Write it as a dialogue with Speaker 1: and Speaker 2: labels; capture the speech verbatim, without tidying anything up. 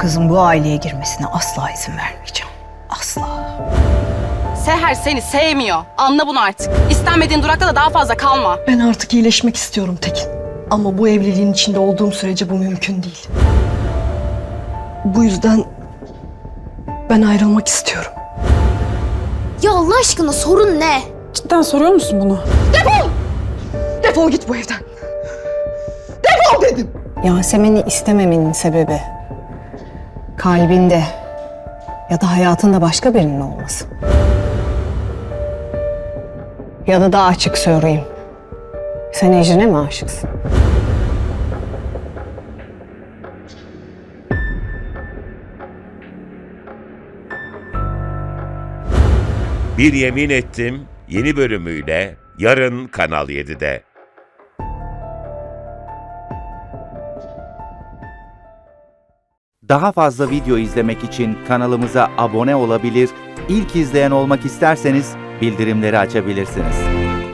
Speaker 1: kızın bu aileye girmesine asla izin vermeyeceğim. Asla.
Speaker 2: Seher seni sevmiyor. Anla bunu artık. İstenmediğin durakta da daha fazla kalma.
Speaker 3: Ben artık iyileşmek istiyorum Tekin. Ama bu evliliğin içinde olduğum sürece bu mümkün değil. Bu yüzden ben ayrılmak istiyorum.
Speaker 4: Ya Allah aşkına sorun ne?
Speaker 5: Cidden soruyor musun bunu?
Speaker 3: Defol git bu evden. Defol dedim.
Speaker 1: Yasemin'i istememenin sebebi kalbinde ya da hayatında başka birinin olması. Ya da daha açık söyleyeyim. Sen Ecrin'e mi aşıksın?
Speaker 6: Bir Yemin Ettim yeni bölümüyle yarın Kanal yedide.
Speaker 7: Daha fazla video izlemek için kanalımıza abone olabilir, ilk izleyen olmak isterseniz bildirimleri açabilirsiniz.